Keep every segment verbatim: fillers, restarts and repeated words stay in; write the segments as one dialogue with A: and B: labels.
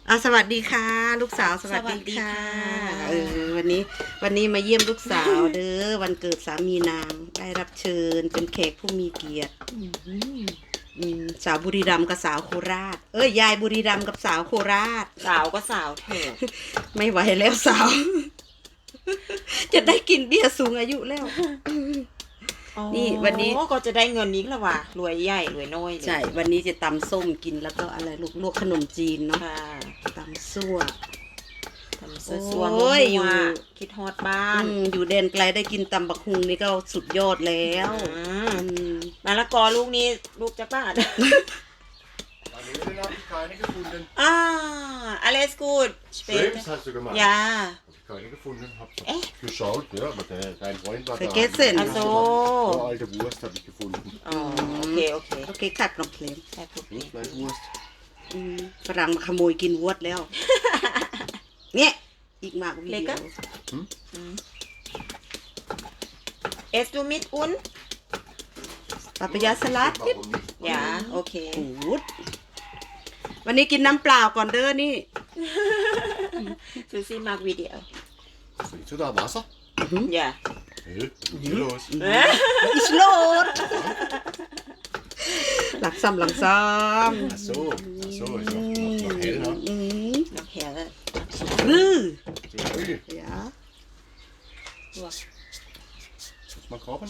A: อ่ะสวัสดีค่ะ ลูกสาวสวัสดีค่ะเออวันนี้วันนี้มาเยี่ยมลูกสาวเด้อวันเกิดสามีนางได้รับเชิญเป็นแขกผู้มีเกียรติอืมสาวบุรีรัมย์กับสาวโคราช เอ้ยยายบุรีรัมย์กับสาวโคราช
B: สาวก็สาวเถอะ
A: ไม่ไหวแล้วสาว จะได้กินเบียร์สูงอายุแล้ว นี่วันนี้
B: อ๋อก็จะได้เงินนี้แล้วว่ะรวยใหญ่รวยน้อยเลย
A: ใช่วันนี้จะตำส้มกินแล้วก็อะไรลูกลวกขนมจีนเนาะ
B: ค่ะ
A: ตำซั่ว
B: ทำเสื้อซัว
A: โอ้ย
B: มั่วๆ
A: อยู่
B: คิดฮอดบ้าน
A: อืมอยู่แดนไกลได้กินตำบักฮุงนี่ก็สุดยอดแล้ว
B: อืม
A: อืม
B: มะละกอลูกนี้ลูกจะบ้าน
C: An Ölen habe ich keine gefunden.
B: อ่า alles gut
C: Schweppes hast du gemacht.
B: ยา
C: Habe ich keine gefunden. Habe
B: Echt?
C: geschaut, ja, aber der, dein Freund war
A: Vergessen.
C: da.
B: Ach so.
C: So alte Wurst habe ich gefunden.
B: อ๋อโอเคโอเค
A: โอเคค่ะกรอบเพลง
B: แค่พูด
C: Nicht meine Wurst.
A: อืมฝรั่งมาขโมยกินวดแล้ว เนี่ยอีกมากวิ
B: เล็ก
A: ดี
B: อะ
A: โอ
B: เอสดูมิดอุน
A: ปาปายาสลัดทิป
C: Warum nicht?
B: ยาโอเค
A: กูดวันนี้กินน้ำเปล่าก่อนเด้อนี่
B: ซูซี่มากวิดีโอ
C: Willst du da Wasser?
B: อย่า
C: Hey, was ist hier los?
A: อิสโลดหลักซ้ำหลักซ้
C: Ach so, ach so, ist noch, noch, noch hell,
A: ำ
C: ne?
A: อืม
B: น้ำแข็ง
A: รื้อ
C: So früh.
A: เดี๋ยว
C: Muss man kochen?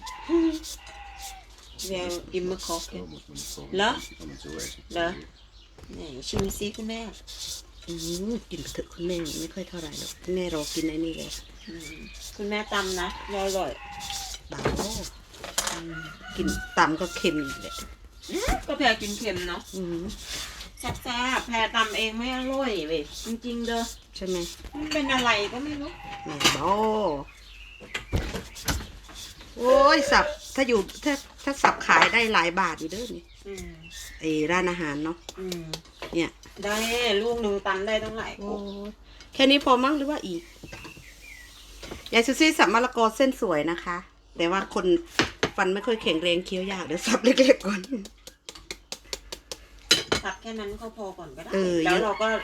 B: เวลอิมเมอร์คอฟ
C: So muss man nicht kochen.
B: La?
C: Kann man so essen.
B: La? นี่ชิมซิคุณแม่
A: อืมกินไปเถอะคุณแม่ไม่ค่อยเท่าไหร่หรอกคุณแม่รอกินไอ้นี่เลย
B: อืมคุณแม่ตำนะอร่อย
A: เบาอืมกินตำก็เค็มอีกเลย
B: ก็แพรกินเค็มเนาะ
A: อืม
B: แซ่บๆแพรตำเองไม่อร่อยเว้ยจริงๆเด้อ
A: ใช่ไหม
B: มันเป็นอะไรก็ไม่รู้
A: แม่บอโอ้ยสับถ้าอยู่ถ้าถ้าสับขายได้หลายบาทอยู่เด้อนี่
B: อืม
A: ไอ้ร้านอาหารเนาะ
B: อืม
A: เนี่ย
B: ได้ลูกหนึ่งตำได้ตั้งหลาย
A: โอ้
B: กุ๊ก
A: ยแค่นี้พอมั้งหรือว่าอีกยายซูซี่สับมะละกอเส้นสวยนะคะ แต่ว่าคนฟันไม่ค่อยแข็งแรงเคี้ยวยากเดี๋ยวสับเล็กๆก่อน
B: ตักแค่นั้นก็พอก่อนก็ได้
A: เออ
B: แล้วเราก็